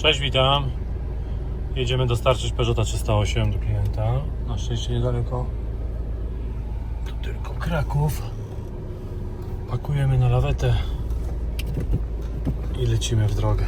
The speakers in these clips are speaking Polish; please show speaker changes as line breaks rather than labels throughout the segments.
Cześć, witam. Jedziemy dostarczyć Peugeota 308 do klienta. Na szczęście niedaleko. Tu tylko Kraków. Pakujemy na lawetę i lecimy w drogę.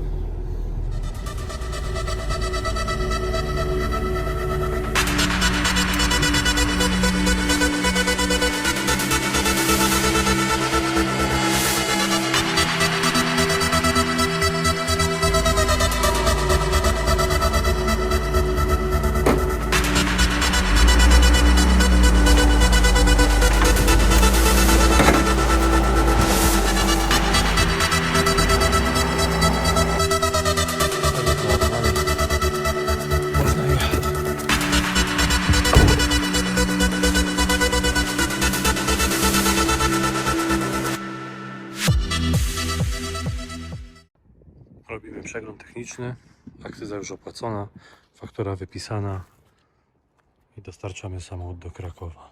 Robimy przegląd techniczny, akcyza już opłacona, faktura wypisana i dostarczamy samochód do Krakowa.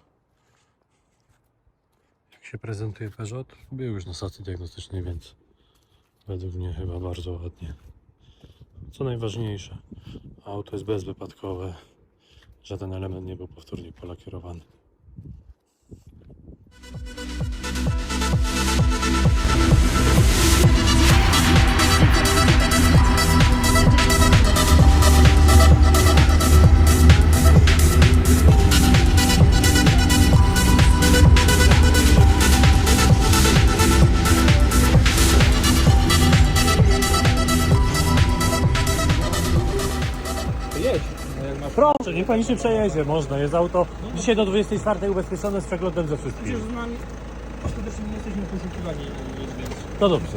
Jak się prezentuje Peugeot? Był już na stacji diagnostycznej, więc według mnie chyba bardzo ładnie. Co najważniejsze, auto jest bezwypadkowe, żaden element nie był powtórnie polakierowany. Proszę, niech pani się przejedzie, można, jest auto dzisiaj do 24 ubezpieczone z przeglądem ze wszystkim.
Przecież z nami skutecznie nie jesteśmy poszukiwani, więc
No dobrze.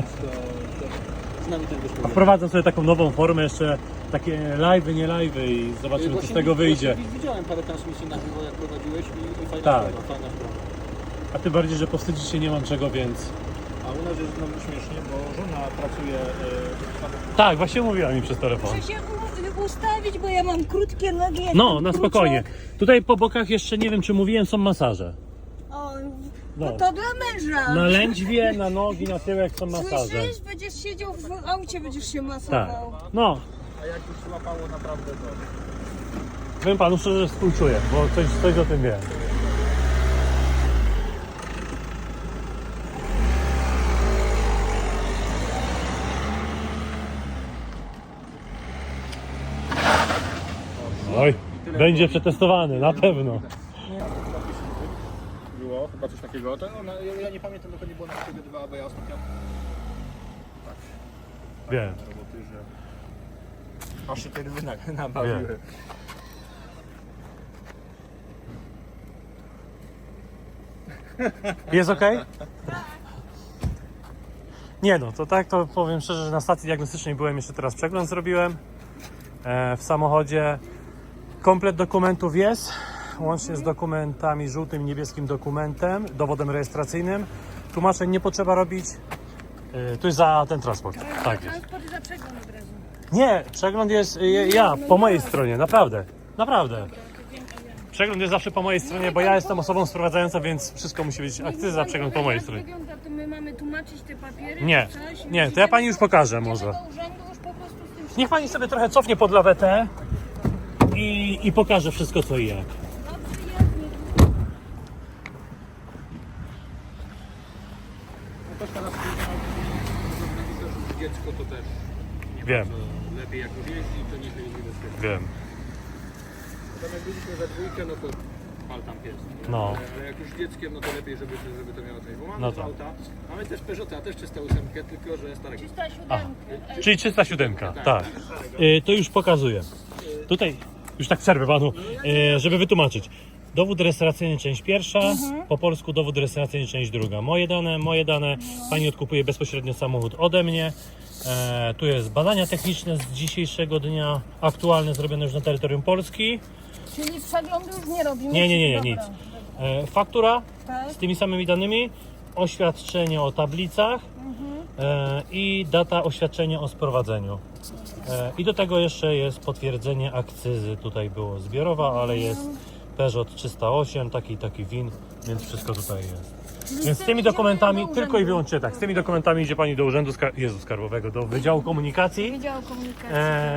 z nami ten wyszło.
Wprowadzam sobie taką nową formę, jeszcze takie live'y, nie live'y i zobaczymy co z tego wyjdzie.
Widziałem parę transmisji na żywo, jak prowadziłeś i fajna
Tak.
fajna sprawa.
A tym bardziej, że powstydzić się nie mam czego, więc...
A u nas jest znowu śmiesznie, bo żona pracuje w samochodzie.
Tak, właśnie mówiła mi przez telefon.
Muszę się ustawić, bo ja mam krótkie nogi.
No, na spokojnie. Tutaj po bokach jeszcze, nie wiem czy mówiłem, są masaże.
O,
No.
no to dla męża.
Na lędźwie, na nogi, na tyłek są masaże.
Słyszysz? Będziesz siedział w aucie, będziesz się
Tak.
masował.
No,
A jak już złapało naprawdę to...
powiem panu szczerze, że współczuję, bo coś o tym wiem. Oj, będzie przetestowany, na pewno.
Było chyba coś takiego. To, no, ja nie pamiętam, to nie było na siebie dwa, bo ja ostatnio...
Wiem.
roboty, że... Aż się te ryby nabawiły.
Wiem. Jest ok? Nie no, to tak to powiem szczerze, że na stacji diagnostycznej byłem, jeszcze teraz przegląd zrobiłem w samochodzie. Komplet dokumentów jest, łącznie z dokumentami, żółtym i niebieskim dokumentem, dowodem rejestracyjnym. Tłumaczeń nie potrzeba robić, tu jest za ten transport. Tak jest.
Transport za przegląd od razu.
Nie, przegląd jest ja, po mojej stronie, naprawdę, naprawdę. Przegląd jest zawsze po mojej stronie, bo ja jestem osobą sprowadzającą, więc wszystko musi być akcyza, przegląd po mojej stronie.
Wygląda, to my mamy tłumaczyć te papiery?
Nie,
czy coś?
nie, to ja pani już pokażę
Idziemy
może.
do urzędu już po prostu z tym.
Niech pani sobie trochę cofnie pod lawetę i pokaże wszystko co i jak.
Dobrze, jasnie.
No też teraz dziecko to też nie
Wiem.
bardzo lepiej jak już jeździ, to niech jeździ bezpiecznie.
Wiem.
Potem jak byliśmy we dwójkę, no to pal tam pies. Nie?
No.
Ale jak już dzieckiem, no to lepiej, żeby to miało coś. Bo mamy
No
dwa
tak.
auta, mamy też Peugeota, też 308, tylko że starego.
307.
Czyli 307, tak. To już pokazuję. Tutaj, już tak przerwę panu, żeby wytłumaczyć. Dowód rejestracyjny część pierwsza, po polsku dowód rejestracyjny część druga. Moje dane, pani odkupuje bezpośrednio samochód ode mnie. Tu jest badania techniczne z dzisiejszego dnia, aktualne, zrobione już na terytorium Polski.
Czyli przeglądu już nie robimy?
Nie,
Dobra.
nic. Faktura
Tak.
z tymi samymi danymi, oświadczenie o tablicach i data oświadczenia o sprowadzeniu. I do tego jeszcze jest potwierdzenie akcyzy. Tutaj było zbiorowa, ale jest Peugeot 308, taki WIN, więc wszystko tutaj jest. Więc z tymi dokumentami, tylko i wyłącznie tak, z tymi dokumentami idzie pani do Urzędu Skarbowego, do Wydziału Komunikacji
Wydział Komunikacji.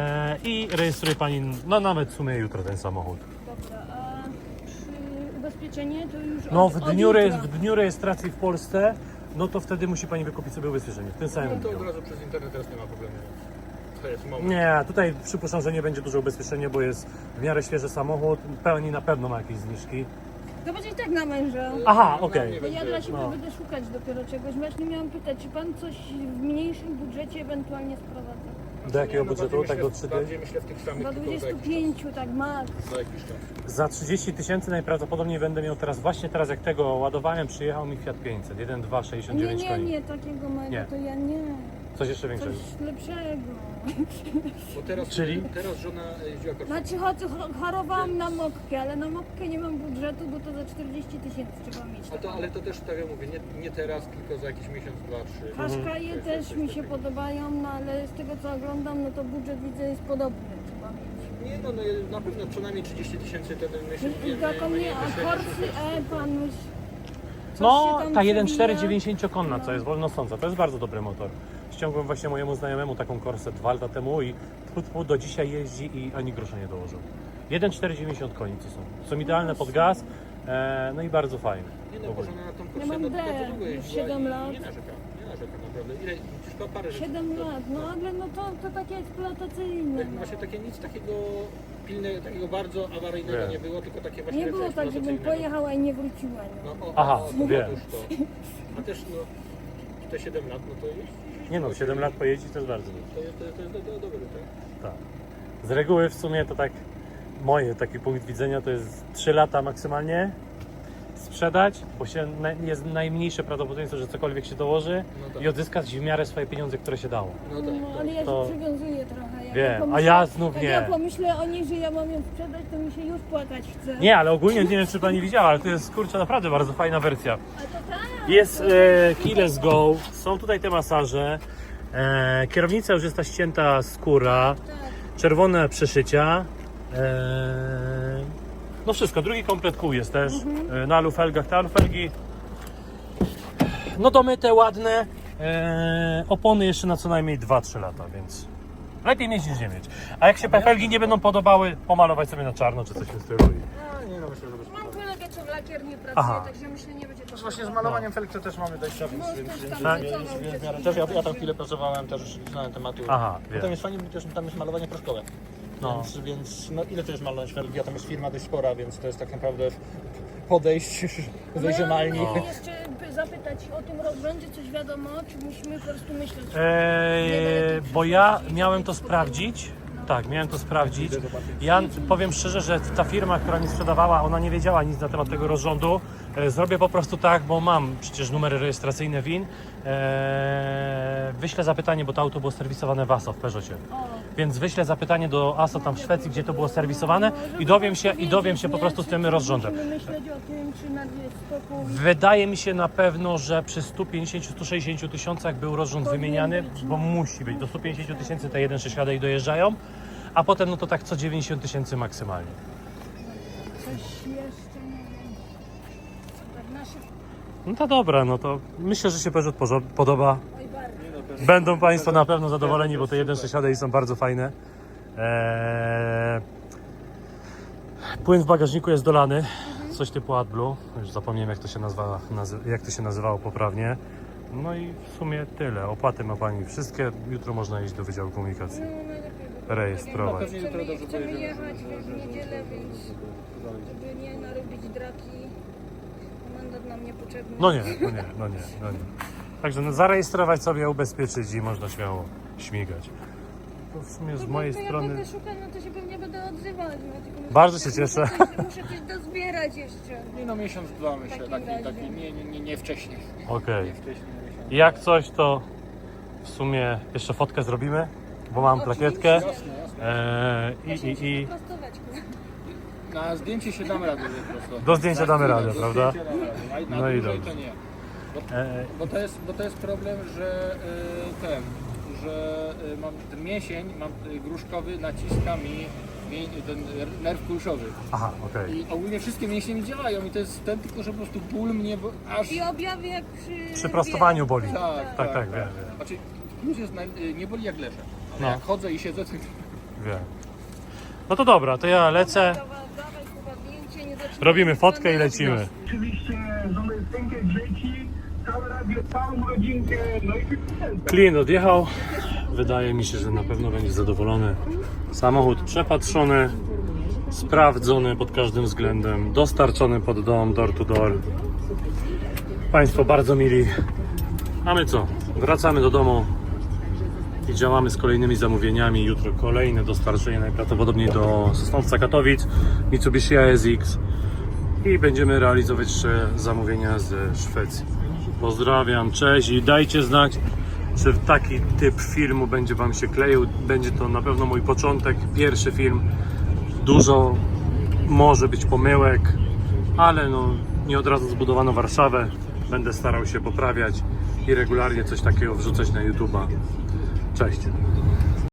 i rejestruje pani, no nawet w sumie jutro ten samochód.
Dobra, a przy ubezpieczenie to już
No
od jutra.
w dniu rejestracji w Polsce, no to wtedy musi pani wykupić sobie ubezpieczenie, w tym samym
No to
dniu.
od razu przez internet teraz nie ma problemu. To jest moment.
Nie, tutaj przypuszczam, że nie będzie duże ubezpieczenie, bo jest w miarę świeży samochód, pełni na pewno ma jakieś zniżki.
To będzie i tak na męża.
Aha,
No,
okej.
nie
Bo ja
będzie.
dla siebie
No.
będę szukać dopiero czegoś. Właśnie miałam pytać, czy pan coś w mniejszym budżecie ewentualnie sprowadza?
Do jakiego
Nie,
budżetu?
bardziej
Tak do
myślę-
3D?
Bardziej myślę w tych samych,
Do
tylko za jakiś
25, tak max.
czas. Za jakiś czas.
Za 30 000 najprawdopodobniej będę miał teraz, właśnie teraz jak tego ładowałem, przyjechał mi Fiat 500, 1.2,
Nie,
69
nie,
koni.
nie, takiego mego
Nie.
to ja nie.
Coś jeszcze większego.
Coś lepszego.
Bo teraz,
Czyli?
teraz żona jeździła kosztem.
Znaczy chorowałam na mopkę, ale na mopkę nie mam budżetu, bo to za 40 000 trzeba mieć.
A to, ale to też tak jak mówię, nie teraz, tylko za jakiś miesiąc, 2, 3.
Qashqaie
To
też
jest coś
mi się
takiego.
podobają, no ale z tego co oglądam, no to budżet widzę jest podobny. Trzeba mieć.
Nie no, na pewno co najmniej 30 000 to myślę,
I taką nie, a Corsy pan już... coś
No,
się tam
ta
przewija.
1.4 90-konna, co
No.
jest wolnosąca, to jest bardzo dobry motor. Ściągłem właśnie mojemu znajomemu taką Corsę 2 lata temu i do dzisiaj jeździ i ani grosza nie dołożył. 1.4 90 koni to są idealne pod gaz, no i bardzo fajne.
Nie
w
no, bo
ogóle.
żona na tą
Ja
kursę,
mam
no
D,
to długo
już
jeździła
7
i
lat.
nie narzeka naprawdę. Ile, przecież to parę rzeczy.
7 lat, no ale no to takie eksploatacyjne.
Tak, właśnie takie nic takiego pilnego, takiego bardzo awaryjnego
Wiem.
nie było, tylko takie właśnie
Nie
rzeczy
było tak, żebym
eksploatacyjne.
pojechała i nie wróciła. No.
No,
Aha,
to
wiem.
otóż to. A też no, te 7 lat, no to jest...
Nie no, 7 lat pojeździć to jest bardzo dużo.
To jest dobre, tak?
Tak. Z reguły w sumie to tak, taki punkt widzenia to jest 3 lata maksymalnie sprzedać, bo jest najmniejsze prawdopodobieństwo, że cokolwiek się dołoży
No tak.
i odzyskać w miarę swoje pieniądze, które się dało.
No tak,
No,
tak.
ale ja
To-
się przywiązuję trochę. Jak
Wiem,
pomyślę-
a ja znów
jak
nie.
ja pomyślę o niej, że ja mam ją sprzedać, to mi się już płakać chce.
Nie, ale ogólnie nie wiem, czy pani widziała, ale to jest kurczę naprawdę bardzo fajna wersja.
A to tak.
Jest keyless go, są tutaj te masaże, kierownica już jest ta ścięta skóra,
Tak.
czerwone przeszycia. No wszystko, drugi komplet kół jest też na alufelgach. Te alufelgi no domyte, ładne, opony jeszcze na co najmniej 2-3 lata, więc lepiej mieć niż nie mieć. A jak się felgi nie będą podobały, pomalować sobie na czarno czy coś w tym stylu.
A, nie no, myślę, że bez
Mam kolegę, co w lakierni pracuje,
Aha.
także myślę, nie będzie to
Właśnie z malowaniem felg to też mamy dość
Mąż też tam
Tak.
pracował przez
Też ja tam chwilę pracowałem, też znałem tematu.
Aha,
Bo
wiem.
tam jest fajnie, bo też tam jest malowanie proszkowe.
No.
Więc no, ile to jest malować felgi? A tam jest firma dość spora, więc to jest tak naprawdę podejść, wejść do malni.
No. Jeszcze zapytać o tym rozrządzie, coś wiadomo, czy musimy po prostu myśleć?
Bo ja miałem to sprawdzić. Tak, miałem to sprawdzić. Ja powiem szczerze, że ta firma, która mi sprzedawała, ona nie wiedziała nic na temat tego rozrządu. Zrobię po prostu tak, bo mam przecież numery rejestracyjne WIN. Wyślę zapytanie, bo to auto było serwisowane w ASO w Peugeocie. Więc wyślę zapytanie do ASO tam w Szwecji, gdzie to było serwisowane i dowiem się po prostu z tym rozrządem.
Musimy myśleć o tym, czy na spokój.
Wydaje mi się na pewno, że przy 150-160 tysiącach był rozrząd wymieniany, bo musi być. Do 150 tysięcy te 1.6 dojeżdżają, a potem no to tak co 90 tysięcy maksymalnie.
Coś jeszcze, nie wiem. Tak nasze...
No to dobra, no to myślę, że się Peugeot podoba.
Oj, bardzo.
Będą Państwo na pewno zadowoleni, bo te 1.6 są bardzo fajne. Płyn w bagażniku jest dolany, coś typu AdBlue. Już zapomniałem jak to się nazywało poprawnie. No i w sumie tyle. Opłaty ma Pani wszystkie. Jutro można iść do Wydziału Komunikacji.
No, najlepiej, bo
Rejestrować.
Pewnie jutro dobrze
chcemy
pojedziemy,
jechać w niedzielę, więc żeby nie narobić draki, mandat nam niepotrzebny.
No nie. Także no, zarejestrować sobie, ubezpieczyć i można śmiało śmigać. To w sumie z mojej
Jak
strony...
będę szukać, no to się pewnie będę odzywać. No, tylko
Bardzo się cieszę.
Muszę coś dozbierać jeszcze.
Nie no, miesiąc, dwa myślę,
takim razie.
taki nie wcześniej.
Okej.
Nie wcześniej, miesiąc.
Jak coś, to w sumie jeszcze fotkę zrobimy, bo mam plakietkę.
Jasne, jasne.
I
Na zdjęcie się damy radę po prostu.
Do zdjęcia damy radę,
Do
prawda?
zdjęcia damy radę. A na
No i
dłużej
dobrze.
to nie.
e,
Bo to jest problem, że mam ten mięsień, mam gruszkowy, naciska mi ten nerw kulszowy.
Aha, okej.
I ogólnie wszystkie mięśnie mi działają i to jest ten, tylko że po prostu ból mnie aż...
I objawy jak przy...
Przy prostowaniu boli.
Tak,
Tak, wiem.
Znaczy, plus jest nie boli jak leżę. Ale
No.
jak chodzę i siedzę, to...
Wiem. No to dobra, to ja lecę.
Dawaj chyba zdjęcie, nie zaczynaj.
Robimy fotkę i lecimy.
Oczywiście żonę synkę, dzieci, całe radio, całą rodzinkę, no i
Klient odjechał. Wydaje mi się, że na pewno będzie zadowolony. Samochód przepatrzony, sprawdzony pod każdym względem, dostarczony pod dom, door to door. Państwo bardzo mili. A my co? Wracamy do domu i działamy z kolejnymi zamówieniami. Jutro kolejne dostarczenie najprawdopodobniej do Sosnowca, Katowic, Mitsubishi ASX i będziemy realizować jeszcze zamówienia ze Szwecji. Pozdrawiam, cześć i dajcie znać, czy taki typ filmu będzie Wam się kleił. Będzie to na pewno mój początek, pierwszy film. Dużo może być pomyłek, ale no, nie od razu zbudowano Warszawę. Będę starał się poprawiać i regularnie coś takiego wrzucać na YouTube'a. Cześć!